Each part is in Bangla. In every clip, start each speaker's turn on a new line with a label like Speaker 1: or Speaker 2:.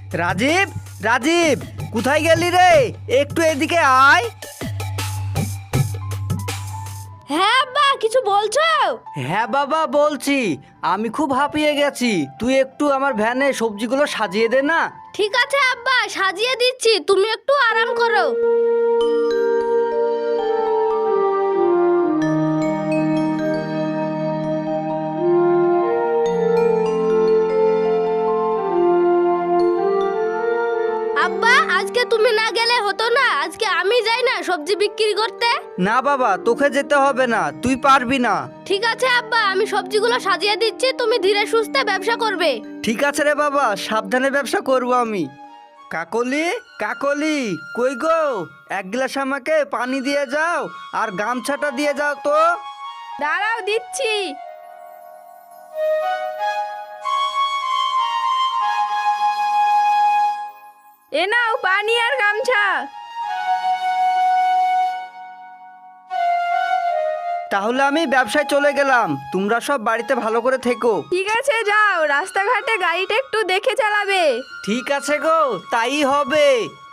Speaker 1: রাজীব, রাজীব, কোথায় গেলি রে? একটু এদিকে আয়।
Speaker 2: হ্যাঁ আব্বা, কিছু বলছো?
Speaker 1: হ্যাঁ বাবা, বলছি। আমি খুব হাঁপিয়ে গেছি, তুই একটু আমার ভ্যানে সবজিগুলো সাজিয়ে দে না।
Speaker 2: ঠিক আছে আব্বা, সাজিয়ে দিচ্ছি, তুমি একটু আরাম করো। আব্বা, আজকে তুমি না গেলে হতো না? আজকে আমি যাই না সবজি বিক্রি করতে?
Speaker 1: না বাবা, তোকে যেতে হবে না, তুই পারবি না।
Speaker 2: ঠিক আছে আব্বা, আমি সবজিগুলো সাজিয়ে দিচ্ছি, তুমি ধীরে সুস্থে ব্যবসা করবে।
Speaker 1: ঠিক আছে রে বাবা, সাবধানে ব্যবসা করব আমি। কাকলি, কাকলি, কই গো? এক গ্লাস আমাকে পানি দিয়ে যাও, আর গামছাটা দিয়ে যাও তো।
Speaker 2: দাঁড়াও, দিচ্ছি। এ নাও পানি আর গামছা।
Speaker 1: তাহলে আমি ব্যবসায় চলে গেলাম, তোমরা সব বাড়িতে ভালো করে থেকো।
Speaker 2: ঠিক আছে, যাও, রাস্তাঘাটে গাড়িটা একটু দেখে চালাবে।
Speaker 1: ঠিক আছে গো, তাই হবে।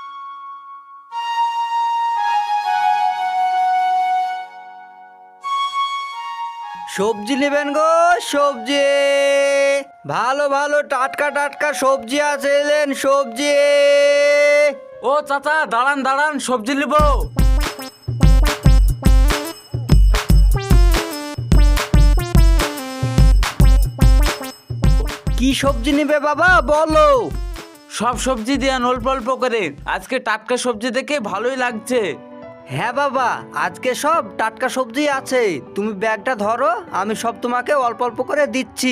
Speaker 1: সবজি নেবেন গো? সবজি ভালো ভালো টাটকা টাটকা সবজি আছে, এলেন সবজি।
Speaker 3: ও চাচা, দাঁড়ান দাঁড়ান, সবজি নিব।
Speaker 1: কি সবজি নেবে বাবা, বলো।
Speaker 3: সব সবজি দেন অল্প অল্প করে, আজকে টাটকা সবজি দেখে ভালোই লাগছে।
Speaker 1: হ্যাঁ বাবা, আজকে সব টাটকা সবজি আছে, তুমি ব্যাগটা ধরো, আমি সব তোমাকে অল্প অল্প করে দিচ্ছি।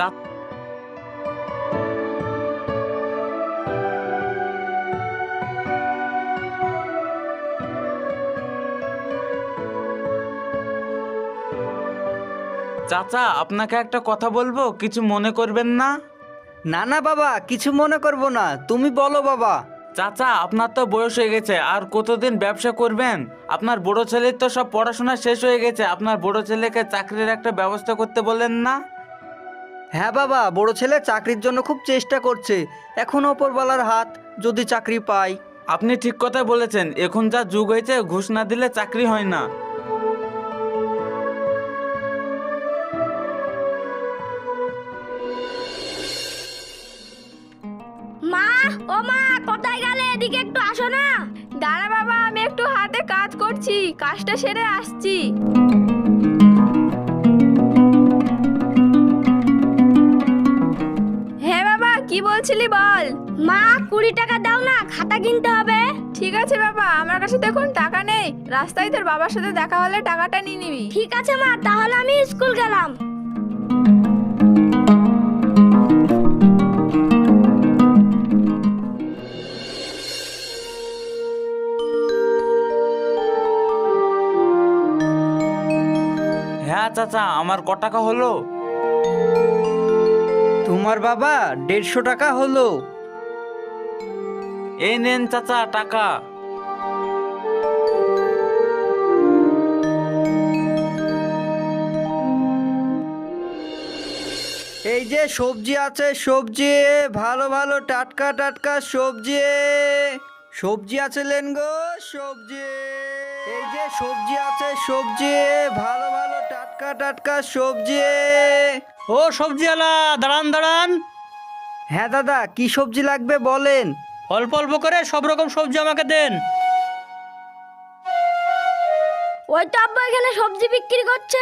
Speaker 3: চাচা, আপনাকে একটা কথা বলবো, কিছু মনে করবেন না?
Speaker 1: না না বাবা, কিছু মনে করবো না, তুমি বলো বাবা।
Speaker 3: চাচা, আপনার তো বয়স হয়ে গেছে, আর কতদিন ব্যবসা করবেন? আপনার বড় ছেলের তো সব পড়াশোনা শেষ হয়ে গেছে, আপনার বড় ছেলেকে চাকরির একটা ব্যবস্থা করতে বলেন না?
Speaker 1: হ্যাঁ বাবা, বড় ছেলে চাকরির জন্য খুব চেষ্টা করছে, এখন ওপরওয়ালার হাত, যদি চাকরি পাই।
Speaker 3: আপনি ঠিক কথা বলেছেন, এখন যা যুগ হয়েছে, ঘুষ না দিলে চাকরি হয় না।
Speaker 2: মা, ও মা, কোথায় গেলে? এদিকে একটু আসো না। দাঁড়া বাবা, আমি একটু হাতে কাজ করছি, কাজটা সেরে আসছি। হ্যাঁ বাবা, কি বলছিলি বল। মা, 20 টাকা দাও না, খাতা কিনতে হবে। ঠিক আছে বাবা, আমার কাছে তো এখন টাকা নেই, রাস্তায় তোর বাবার সাথে দেখা হলে টাকাটা নিয়ে নিবি। ঠিক আছে মা, তাহলে আমি স্কুল গেলাম।
Speaker 3: হ্যাঁ চাচা, আমার ক টাকা হলো?
Speaker 1: তোমার বাবা 150 টাকা হলো।
Speaker 3: এই নেন চাচা টাকা।
Speaker 1: এই যে সবজি আছে, সবজি ভালো ভালো টাটকা টাটকা সবজি। সবজি আছে লেন গো, সবজি। এই যে সবজি আছে, সবজি ভালো ভালো টাটকা টাটকা সবজি।
Speaker 4: ও সবজিওয়ালা, দাঁড়ান দাঁড়ান।
Speaker 1: হ্যাঁ দাদা, কি সবজি লাগবে বলেন।
Speaker 4: অল্প অল্প করে সব রকম সবজি আমাকে দেন।
Speaker 2: ওই তো আব্বা এখানে সবজি বিক্রি করছে।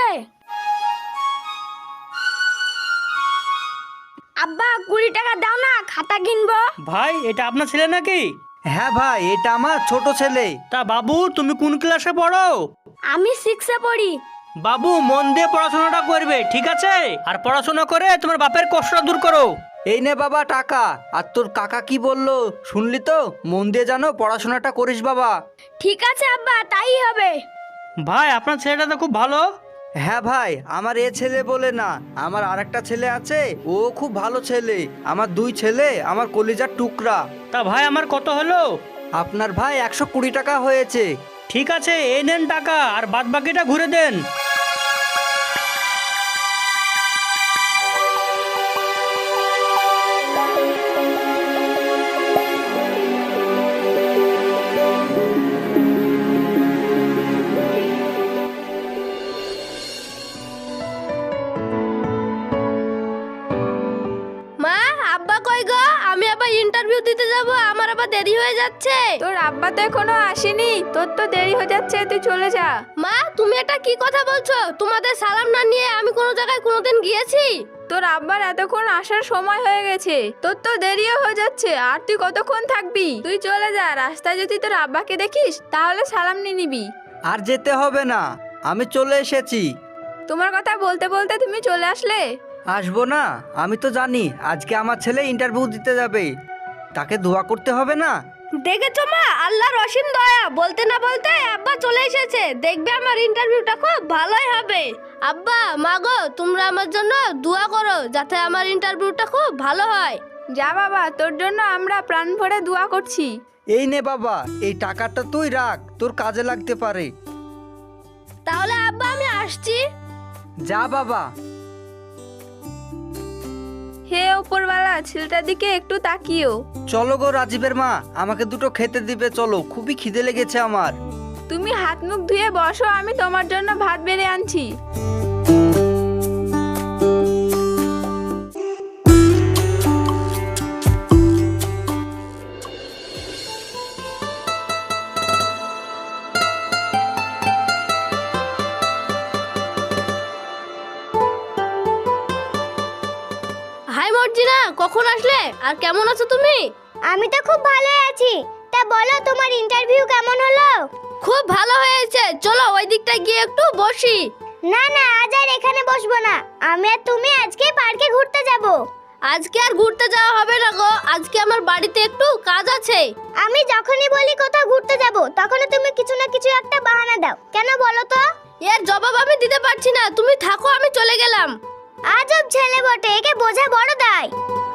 Speaker 2: আব্বা, 20 টাকা দাও না, খাতা কিনবো।
Speaker 4: ভাই, এটা আপনার ছেলে নাকি?
Speaker 1: হ্যাঁ ভাই, এটা আমার ছোট ছেলে।
Speaker 4: তা বাবু, তুমি কোন ক্লাসে পড়ো?
Speaker 2: আমি 6-এ পড়ি।
Speaker 4: বাবু, মন দিয়ে পড়াশোনাটা করবে, ঠিক আছে? আর পড়াশোনা করে তোমার বাপের কষ্টটা দূর করো।
Speaker 1: এই নে বাবা টাকা। আর তোর কাকা কি বললো শুনলি তো? মন দিয়ে জানো পড়াশোনাটা করিস বাবা।
Speaker 2: ঠিক আছে আব্বা, তাই হবে।
Speaker 4: ভাই, আপনার ছেলেটা তো খুব ভালো।
Speaker 1: হ্যাঁ ভাই, আমার এ ছেলে বলে না, আমার আরেকটা ছেলে আছে, ও খুব ভালো ছেলে। আমার 2 ছেলে আমার কলিজার টুকরা।
Speaker 4: তা ভাই, আমার কত হলো?
Speaker 1: আপনার ভাই 120 টাকা হয়েছে।
Speaker 4: ঠিক আছে, এই নেন টাকা, আর বাদ বাকিটা ঘুরে দেন।
Speaker 2: আব্বা কই গো? আমি আবার ইন্টারভিউ দিতে যাব, আমার আবার দেরি হয়ে যাচ্ছে।
Speaker 5: তোর আব্বা তো এখনো আসেনি, তোর তো দেরি হয়ে যাচ্ছে, তুই চলে যা।
Speaker 2: মা তুমি এটা কি কথা বলছো? তোমাদের সালাম না নিয়ে আমি কোনো জায়গায় কোনোদিন গিয়েছি?
Speaker 5: তোর আব্বার এতক্ষণ আসার সময় হয়ে গেছে, তোর তো দেরিও হয়ে যাচ্ছে, আর তুই কতক্ষণ থাকবি? তুই চলে যা। রাস্তায় যদি তোর আব্বাকে দেখিস তাহলে সালাম নিয়ে নিবি।
Speaker 1: আর যেতে হবে না, আমি চলে এসেছি।
Speaker 5: তোমার কথা বলতে বলতে তুমি চলে আসলে।
Speaker 1: আসবো না? আমি তো জানি আজকে আমার ছেলে ইন্টারভিউ দিতে যাবে, তাকে দোয়া করতে হবে না?
Speaker 2: দেখেছো মা, আল্লাহর অসীম দয়া। বলতে না বলতে আব্বা চলে এসেছে। দেখবে আমার ইন্টারভিউটা খুব ভালোই হবে। আব্বা মা গো, তোমরা আমার জন্য দোয়া করো যাতে আমার ইন্টারভিউটা খুব ভালো হয়।
Speaker 5: যা বাবা, তোর জন্য আমরা প্রাণ ভরে দোয়া করছি।
Speaker 1: এই নে বাবা, এই টাকাটা তুই রাখ, তোর কাজে লাগতে পারে।
Speaker 2: তাহলে আব্বা আমি আসছি।
Speaker 1: যা বাবা।
Speaker 5: হে ওপরওয়ালা, ছেলেটার দিকে একটু তাকিও।
Speaker 1: চলো গো রাজীবের মা, আমাকে দুটো খেতে দিবে, চলো, খুবই খিদে লেগেছে আমার।
Speaker 5: তুমি হাত মুখ ধুয়ে বসো, আমি তোমার জন্য ভাত বেড়ে আনছি।
Speaker 2: হাই মর্জিনা, কখন আসলে আর কেমন আছো তুমি?
Speaker 6: আমি তো খুব ভালো আছি। তা বলো, তোমার ইন্টারভিউ কেমন হলো?
Speaker 2: খুব ভালো হয়েছে, চলো ওই দিকটা গিয়ে একটু বসি।
Speaker 6: না না, আজ আর এখানে বসবো না। আমি আর তুমি আজকে পার্কে ঘুরতে যাব।
Speaker 2: আজকে আর ঘুরতে যাওয়া হবে না গো, আজকে আমার বাড়িতে একটু কাজ আছে।
Speaker 6: আমি যখনই বলি কোথাও ঘুরতে যাব, তখনই তুমি কিছু না কিছু একটা বাহানা দাও, কেন বলো তো?
Speaker 2: এর জবাব আমি দিতে পারছি না, তুমি থাকো, আমি চলে গেলাম।
Speaker 6: আজব ছেলে বটে, একে বোঝা বড় দায়।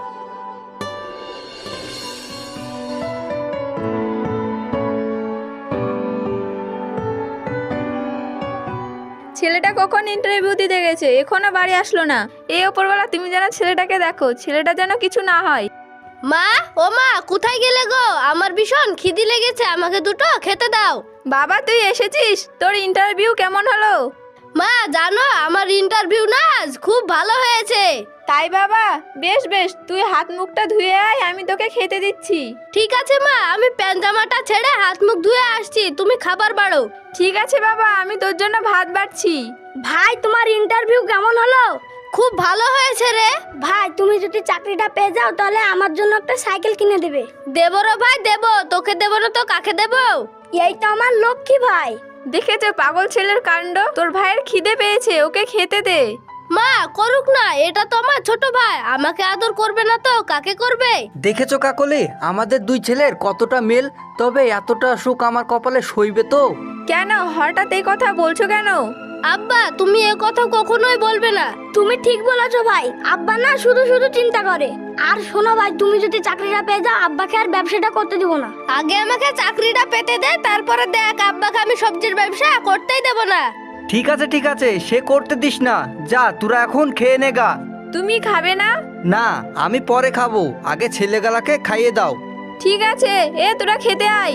Speaker 5: ছেলেটা কখন ইন্টারভিউ দিতে গেছে, এখনো বাড়ি আসলো না। এই ওপরওয়ালা, তুমি যেন ছেলেটাকে দেখো, ছেলেটা যেন কিছু না হয়।
Speaker 2: মা, ও মা, কোথায় গেলে গো? আমার ভীষণ খিদি লেগেছে, আমাকে দুটো খেতে দাও।
Speaker 5: বাবা তুই এসেছিস, তোর ইন্টারভিউ কেমন হলো?
Speaker 2: মা জানো, আমার ইন্টারভিউ না আজ খুব ভালো হয়েছে।
Speaker 5: তাই বাবা, বেশ বেশ, তুই হাত মুখটা ধুয়ে আয়, আমি তোকে খেতে দিচ্ছি।
Speaker 2: ঠিক আছে মা, আমি প্যান্ট জামাটা ছেড়ে হাত মুখ ধুয়ে আসছি, তুমি খাবার বাড়ো।
Speaker 5: ঠিক আছে বাবা, আমি তোর জন্য ভাত বাড়ছি।
Speaker 6: ভাই, তোমার ইন্টারভিউ কেমন হলো?
Speaker 2: খুব ভালো হয়েছে রে
Speaker 6: ভাই, তুমি যদি চাকরিটা পেয়ে যাও তাহলে আমার জন্য একটা সাইকেল কিনে দেবে।
Speaker 2: দেবো রে ভাই, দেবো। তোকে দেবো না তো কাকে দেবো?
Speaker 6: এই তো আমার লক্ষ্মী ভাই।
Speaker 5: দেখেছো পাগল ছেলের কাণ্ড, তোর ভাইয়ের খিদে পেয়েছে, ওকে খেতে দে।
Speaker 2: মা করুক না, এটা তো আমার ছোট ভাই, আমাকে আদর করবে না তো কাকে করবে?
Speaker 1: দেখেছো কাকলি, আমাদের দুই ছেলের কতটা মেল, তবে এতটা সুখ আমার কপালে সইবে তো?
Speaker 5: কেন হঠাৎ এই কথা বলছো কেন?
Speaker 2: আব্বা তুমি এ কথা কখনোই বলবে না।
Speaker 6: তুমি ঠিক বলেছো ভাই, আব্বা না শুধু শুধু চিন্তা করে। আর শোনো ভাই, তুমি যদি চাকরিটা পেয়ে যাও, আব্বাকে আর ব্যবসাটা করতে দিব না।
Speaker 2: আগে আমাকে চাকরিটা পেতে দে, তারপরে দেখ আব্বাকে আমি সবজির ব্যবসা করতেই দেব না।
Speaker 1: ঠিক আছে ঠিক আছে, সে করতে দিস না, যা তোরা এখন খেয়ে নে গা।
Speaker 5: তুমি খাবে না?
Speaker 1: না, আমি পরে খাবো, আগে ছেলেগুলাকে খাইয়ে দাও।
Speaker 5: ঠিক আছে, এ তোরা খেতে আয়।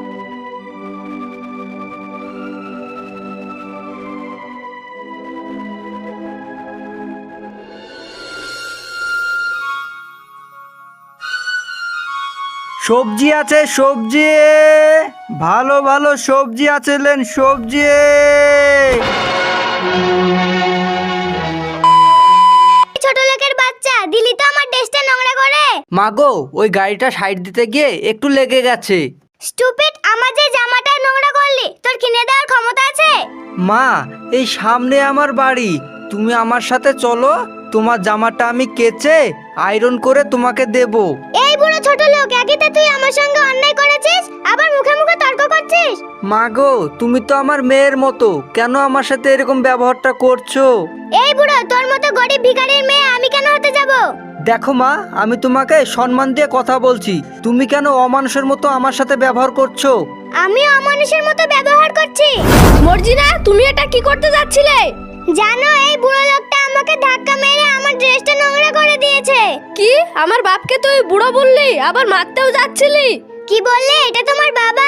Speaker 1: সবজি আছে, সবজি, ভালো ভালো সবজি আছে, লেন সবজি।
Speaker 6: ছোট লোকের বাচ্চা, দিলি তো আমার ড্রেসটা নোংরা করে।
Speaker 1: মাগো, ওই গাড়িটা সাইড দিতে গিয়ে একটু লেগে গেছে।
Speaker 6: স্টুপিড, আমার যে জামাটা নোংরা করলি, তোর কিনে দেওয়ার ক্ষমতা আছে?
Speaker 1: মা, এই সামনে আমার বাড়ি, তুমি আমার সাথে চলো, তোমার জামাটা আমি কেচে আয়রন করে তোমাকে দেব।
Speaker 6: এই বুড়ো ছোট লোক, একইতে তুই আমার সঙ্গে অন্যায় করেছিস, আবার মুখে মুখে তর্ক করছিস।
Speaker 1: মাগো, তুমি তো আমার মেয়ের মতো, কেন আমার সাথে এরকম ব্যবহারটা করছো?
Speaker 6: এই বুড়ো, তোর মতো গরিব ভিখারির মেয়ে আমি কেন হতে যাব?
Speaker 1: দেখো মা, আমি তোমাকে সম্মান দিয়ে কথা বলছি, তুমি কেন অমানুষের মতো আমার সাথে ব্যবহার করছো?
Speaker 6: আমি অমানুষের মতো ব্যবহার করছি?
Speaker 2: মর্জিনা, তুমি এটা কি করতে যাচ্ছিলে?
Speaker 6: জানো, এই বুড়ো লোকটা আমাকে ধাক্কা মেরে আমার ড্রেসটা নোংরা করে দিয়েছে।
Speaker 2: কি, আমার বাপকে তুই বুড়ো বললি, আবার মারতেও যাচ্ছিলি?
Speaker 6: কি বললে? এটা তোমার বাবা।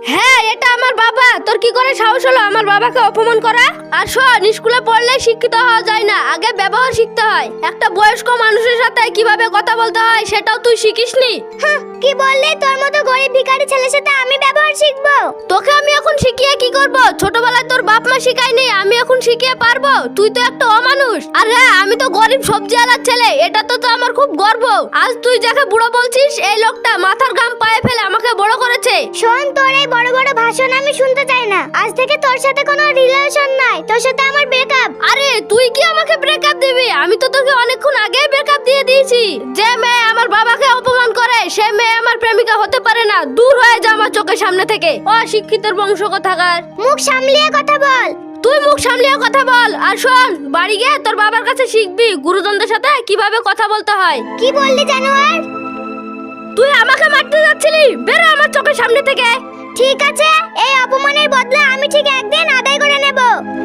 Speaker 2: হ্যাঁ, এটা আমার বাবা। তোর কি করে সাহস হলো আমার বাবাকে অপমান করা? আর শোন, স্কুলে পড়লে শিক্ষিত হওয়া যায় না, আগে ব্যবহার শিখতে হয়। একটা বয়স্ক মানুষের সাথে কিভাবে কথা বলতে হয় সেটাও তুই শিখিসনি।
Speaker 6: কি বললি? তোর মতো গরিব ভিখারি ছেলের সাথে আমি ব্যবহার শিখবো?
Speaker 2: তোকে আমি এখন শিখিয়ে কি করব? ছোটবেলায় তোর বাপ মা শিখায়নি, আমি এখন শিখিয়ে পারবো? তুই তো একটা অমানুষ। আর হ্যাঁ, আমি তো গরিব সবজিওয়ালার ছেলে, এটা তো আমার খুব গর্ব। আজ তুই যাকে বুড়ো বলছিস, এই লোকটা মাথার ঘাম পায়ে ফেলে আমাকে বড় করেছে।
Speaker 6: শোন, তোর এই বড় বড় ভাষণ আমি শুনতে চাই না। আজ থেকে তোর সাথে কোনো রিলেশন নাই, তোর সাথে আমার ব্রেকআপ।
Speaker 2: আরে তুই কি আমাকে ব্রেকআপ দিবি? আমি তো তোকে অনেকক্ষণ আগেই ব্রেকআপ দিয়ে দিয়েছি। যে মেয়ে আমার বাবাকে অপমান করে সে মেয়ে আমার প্রেমিকা হতে পারে না। দূর হয়ে যা আমার চোখের সামনে থেকে, অশিক্ষিতের বংশ কোথাকার।
Speaker 6: মুখ সামলিয়ে কথা বল।
Speaker 2: তুই মুখ সামলিয়ে কথা বল। আর শোন, বাড়ি গিয়ে তোর বাবার কাছে শিখবি গুরুজনদের সাথে কিভাবে কথা বলতে হয়।
Speaker 6: কি বললি জানোয়ার?
Speaker 2: তুই আমাকে মারতে যাচ্ছিলি, বেরো আমার চোখের সামনে থেকে।
Speaker 6: ঠিক আছে, এই অপমানের বদলা আমি ঠিক একদিন আদায় করে নেব।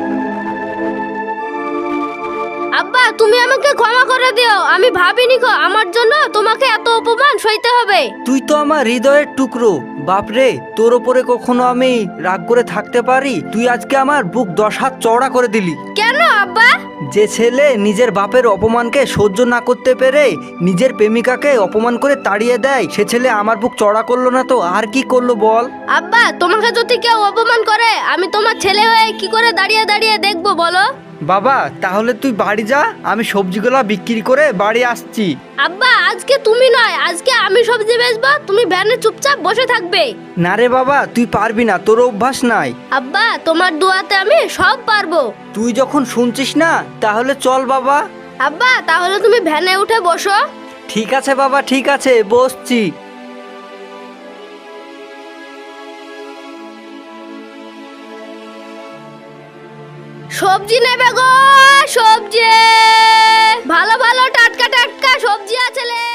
Speaker 2: আব্বা, তুমি আমাকে ক্ষমা করে দিও। আমি ভাবিনি গো আমার জন্য তোমাকে এত অপমান সইতে হবে।
Speaker 1: তুই তো আমার হৃদয়ের টুকরো বাপরে, তোর ওপরে কখনো আমি রাগ করে থাকতে পারি? তুই আজকে আমার বুক 10 হাত চওড়া করে দিলি।
Speaker 2: কেন আব্বা?
Speaker 1: যে ছেলে নিজের বাপের অপমানকে সহ্য না করতে পেরে নিজের প্রেমিকাকে অপমান করে তাড়িয়ে দেয়, সে ছেলে আমার বুক চওড়া করলো না তো আর কি করলো বল?
Speaker 2: আব্বা, তোমাকে যদি কেউ অপমান করে আমি তোমার ছেলে হয়ে কি করে দাঁড়িয়ে দাঁড়িয়ে দেখবো বলো?
Speaker 1: বাবা, তাহলে তুই বাড়ি যা, আমি সবজিগুলো বিক্রি করে বাড়ি আসছি।
Speaker 2: আব্বা, আজকে তুমি নয়, আজকে আমি সবজি বেচবো, তুমি ভ্যানে চুপচাপ বসে থাকবে।
Speaker 1: না রে বাবা, তুই পারবি না, তোর অভ্যাস নাই।
Speaker 2: আব্বা, তোমার দোয়াতে আমি সব পারবো।
Speaker 1: তুই যখন শুনছিস না তাহলে চল বাবা।
Speaker 2: আব্বা, তাহলে তুমি ভ্যানে উঠে বসো।
Speaker 1: ঠিক আছে বাবা, ঠিক আছে, বসছি।
Speaker 2: সবজি নেবে গো, সবজি ভালো ভালো টাটকা টাটকা সবজি আছে লে।